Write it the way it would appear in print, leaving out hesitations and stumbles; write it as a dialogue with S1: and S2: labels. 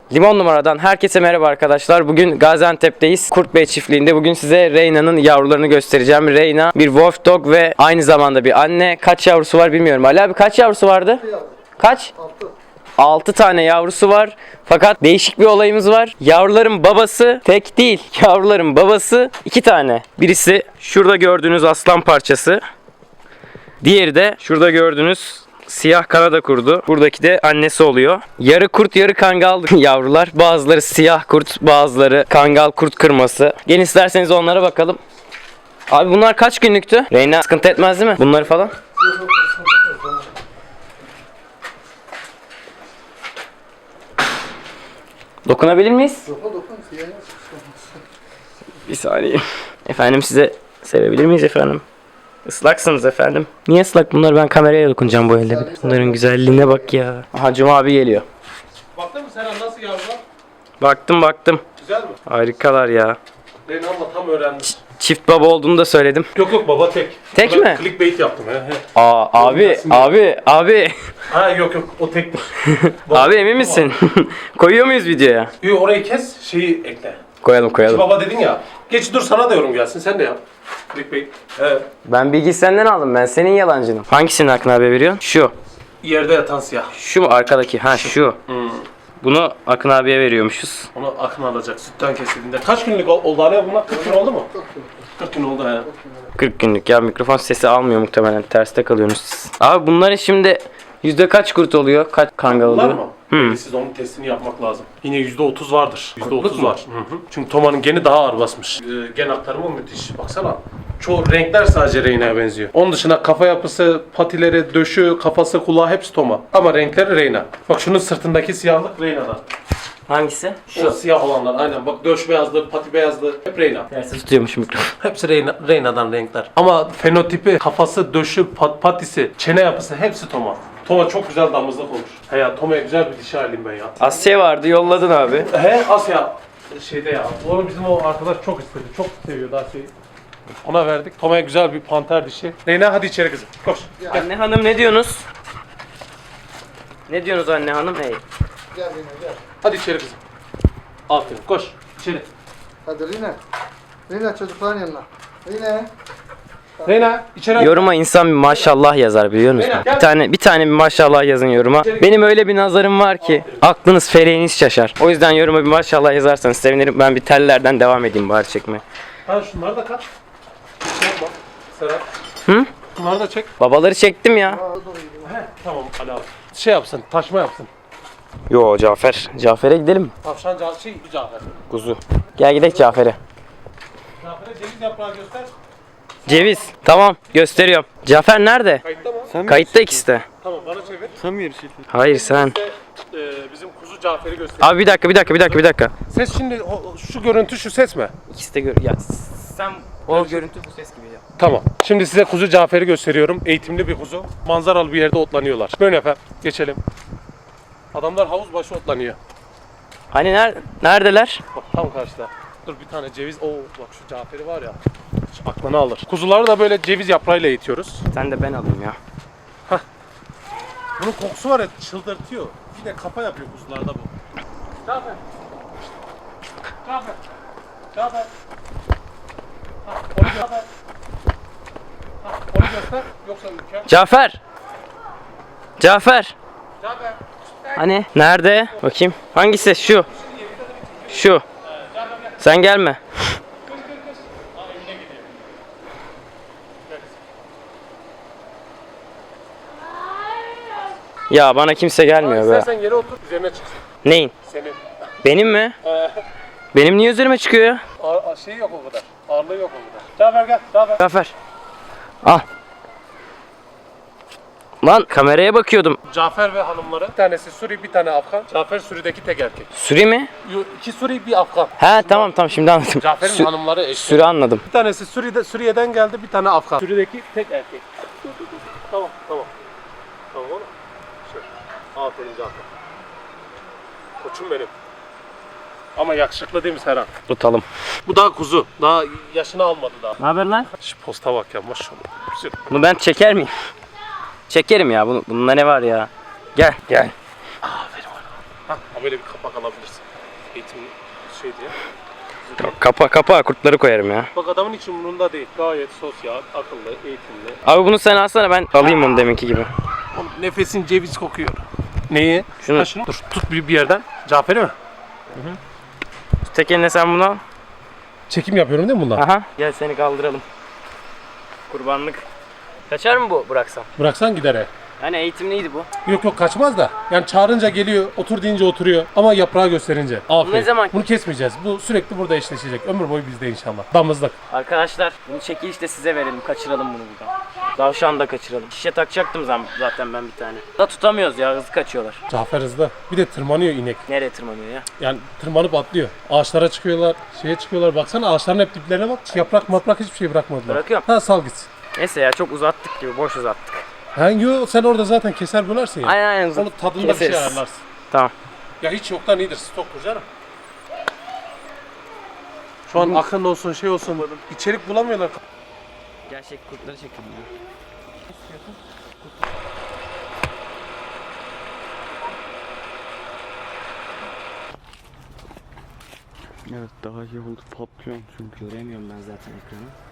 S1: Limon numaradan herkese merhaba arkadaşlar. Bugün Gaziantep'teyiz. Kurtbey çiftliğinde. Bugün size Reyna'nın yavrularını göstereceğim. Reyna bir wolf dog ve aynı zamanda bir anne. Kaç yavrusu var bilmiyorum. Ali abi kaç yavrusu vardı? Kaç? 6 tane yavrusu var. Fakat değişik bir olayımız var. Yavruların babası tek değil. Yavruların babası 2 tane. Birisi şurada gördüğünüz aslan parçası. Diğeri de şurada gördüğünüz siyah Kanada kurdu. Buradaki de annesi oluyor. Yarı kurt yarı kangal yavrular. Bazıları siyah kurt, bazıları kangal kurt kırması. Gelin isterseniz onlara bakalım. Abi bunlar kaç günlüktü? Reyna sıkıntı etmez değil mi? Bunları falan. Dokunabilir miyiz? Bir saniye. Efendim size sevebilir miyiz efendim? Islaksınız efendim. Niye ıslak bunlar? Ben kameraya dokunacağım bu elde. Bunların güzelliğine bak ya. Aha Cuma abi geliyor.
S2: Baktın mı Serhan nasıl yavrular?
S1: Baktım.
S2: Güzel mi?
S1: Harikalar ya.
S2: Reyna abla tam öğrendim.
S1: Çift baba olduğunu da söyledim.
S2: Yok baba tek.
S1: Tek
S2: Ben
S1: mi?
S2: Clickbait yaptım he.
S1: Abi.
S2: Ha yok o tek.
S1: Abi emin misin? Koyuyor muyuz videoya?
S2: Yok orayı kes şeyi ekle.
S1: Koyalım.
S2: Baba dedin ya. Geç dur sana da yorum gelsin sen de yap. Clickbait. Evet.
S1: Ben bilgiyi senden aldım. Ben senin yalancınım. Hangisini Akın abi veriyorsun? Şu.
S2: Yerde yatan siyah.
S1: Şu mu arkadaki? Ha şu. Bunu Akın abiye veriyormuşuz.
S2: Onu Akın alacak sütten kesildiğinde. Kaç günlük oldu hala bunlar? 40 gün oldu mu? 40 gün oldu he.
S1: 40 günlük ya, mikrofon sesi almıyor muhtemelen. Terste kalıyorsunuz siz. Abi bunların şimdi yüzde kaç kurt oluyor? Kaç kangal
S2: Var
S1: oluyor?
S2: mı? Siz onun testini yapmak lazım. Yine %30 vardır. %30 var. Hı. Çünkü Toma'nın geni daha ağır basmış. Gen aktarımı müthiş. Baksana. Çoğu renkler sadece Reyna'ya benziyor. Onun dışında kafa yapısı, patileri, döşü, kafası, kulağı hepsi Toma. Ama renkleri Reyna. Bak şunun sırtındaki siyahlık Reyna'dan.
S1: Hangisi?
S2: Şu siyah olanlar aynen. Bak döş beyazlı, pati beyazlı hep Reyna.
S1: Tersi tutuyormuş mikrofon.
S2: Hepsi Reyna'dan renkler. Ama fenotipi, kafası, döşü, patisi, çene yapısı hepsi Toma. Toma çok güzel damızlık olur. He ya Toma'ya güzel bir dişi alayım ben ya.
S1: Asya vardı, yolladın abi.
S2: He Asya şeyde ya. Onu bizim o arkadaş çok istedi. Çok seviyordu Asya'yı. Ona verdik. Toma'ya güzel bir panter dişi. Reyna hadi içeri kızım. Koş.
S1: Anne hanım ne diyorsunuz? Ne diyorsunuz anne hanım? Hey.
S3: Gel gel.
S2: Hadi içeri kızım. Aferin. Koş. İçeri.
S3: Hadi Rina. Rina çocukların yanına. Rina.
S2: Reyna içeri.
S1: Yoruma insan bir maşallah yazar biliyor musun? Bir tane bir maşallah yazın yoruma. Benim öyle bir nazarım var ki aklınız feleğiniz şaşar. O yüzden yoruma bir maşallah yazarsanız sevinirim. Ben bir tellerden devam edeyim bari çekmeye.
S2: Ha şunları da kat. Şey yapma. Serap.
S1: Hı?
S2: Bunları da çek.
S1: Babaları çektim ya.
S2: He. Tamam Ali abi. Şey yapsın. Taşma yapsın.
S1: Yo Cafer. Cafer'e gidelim.
S2: Tavşan Cafer.
S1: Kuzu. Gel gidelim Cafer'e.
S2: Cafer'e ceviz yaprağı göster.
S1: Ceviz. Tamam gösteriyorum. Cafer nerede?
S2: Kayıtta mı?
S1: Kayıtta ikisi de.
S2: Tamam bana çevir.
S3: Sen mi yarışıyorsun?
S1: Hayır sen.
S2: Size, bizim kuzu Cafer'i göster.
S1: Abi bir dakika.
S2: Ses şimdi şu görüntü şu ses mi?
S1: İkisi de ya sen o görüntü bu ses gibi ya.
S2: Tamam. Şimdi size kuzu Cafer'i gösteriyorum. Eğitimli bir kuzu. Manzaralı bir yerde otlanıyorlar. Böyle efendim. Geçelim. Adamlar havuz başı otlanıyor.
S1: Hani neredeler?
S2: Bak tam karşıda. Dur bir tane ceviz. Oo bak şu Cafer'i var ya. Hiç aklını alır. Kuzuları da böyle ceviz yaprağıyla eğitiyoruz.
S1: Sen de ben alayım ya.
S2: Bunun kokusu var ya çıldırtıyor. Bir de kafa yapıyor kuzularda bu. Cafer. Cafer. Onu göster. Onu göster. Yoksa ülke.
S1: Cafer.
S2: Cafer.
S1: Hani nerede? Bakayım. Hangisi? Şu. Sen gelme. Ya bana kimse gelmiyor be.
S2: İstersen yere otur üzerine çıksın.
S1: Neyin?
S2: Senin.
S1: Benim mi? Benim niye üzerime çıkıyor ya?
S2: Şey yok o kadar. Ağırlığı yok o kadar. Cafer gel. Cafer.
S1: Cafer. Al. Lan kameraya bakıyordum.
S2: Cafer ve hanımları. Bir tanesi Suri, bir tane Afgan. Cafer Suri'deki tek erkek.
S1: Suri mi?
S2: İki Suri, bir Afgan.
S1: He tamam şimdi anladım.
S2: Cafer'in hanımları eşit.
S1: Suri anladım.
S2: Bir tanesi Suriye'den geldi, bir tane Afgan. Suriye'deki tek erkek. Tamam. Tamam oğlum. Aferin Cafer. Koçum benim. Ama yakışıklı değil mi Serhan?
S1: Tutalım.
S2: Bu daha kuzu. Daha yaşını almadı daha.
S1: Ne haber lan?
S2: Şu posta bak ya maşallah. Güzel.
S1: Bunu ben çeker miyim? Çekerim ya. Bunda ne var ya? Gel.
S2: Aferin oğlum. Ha böyle bir kapak alabilirsin. Eğitimin şey diye.
S1: Kapa kurtları koyarım ya.
S2: Bak adamın hiç umurunda değil. Gayet sosyal, akıllı, eğitimli.
S1: Abi bunu sen alsana, ben alayım onu deminki gibi.
S2: Oğlum nefesin ceviz kokuyor. Neyi?
S1: Şunu-
S2: Şunu. Dur tut bir yerden. Cafer'i mi?
S1: Tek eline sen bunu al.
S2: Çekim yapıyorum değil mi bundan?
S1: Aha. Gel seni kaldıralım. Kurbanlık. Kaçar mı bu bıraksam?
S2: Bıraksan gider he.
S1: Hani eğitimliydi bu.
S2: Yok kaçmaz da. Yani çağırınca geliyor, otur deyince oturuyor. Ama yaprağı gösterince. Aferin.
S1: ne zaman-
S2: Bunu kesmeyeceğiz. Bu sürekli burada eşleşecek. Ömür boyu bizde inşallah. Damızlık.
S1: Arkadaşlar bunu çekilişte size verelim. Kaçıralım bunu buradan. Tavşan da kaçıralım. Şişe takacaktım zaten ben bir tane. Da tutamıyoruz ya, hızlı kaçıyorlar.
S2: Cafer hızlı. Bir de tırmanıyor inek.
S1: Nereye tırmanıyor ya?
S2: Yani tırmanıp atlıyor. Ağaçlara çıkıyorlar, şeye çıkıyorlar. Baksana ağaçların hep diplerine bak. Yaprak hiçbir şey bırakmadılar.
S1: Bırakıyorum.
S2: Ha sal gitsin.
S1: Neyse ya, çok uzattık gibi, boş uzattık.
S2: Yo, sen orada zaten keser bölersin ya.
S1: Aynen
S2: Onu tadında bir şey
S1: keseriz.
S2: ayarlarsın.
S1: Tamam.
S2: Ya hiç yoktan iyidir. Stoktur canım. Şu an akın olsun şey olsun. İçerik bulamıyorlar.
S1: Gerçek kurtları çekelim ya.
S4: Evet daha iyi oldu, patlıyor çünkü.
S1: Göremiyorum ben zaten ekranı.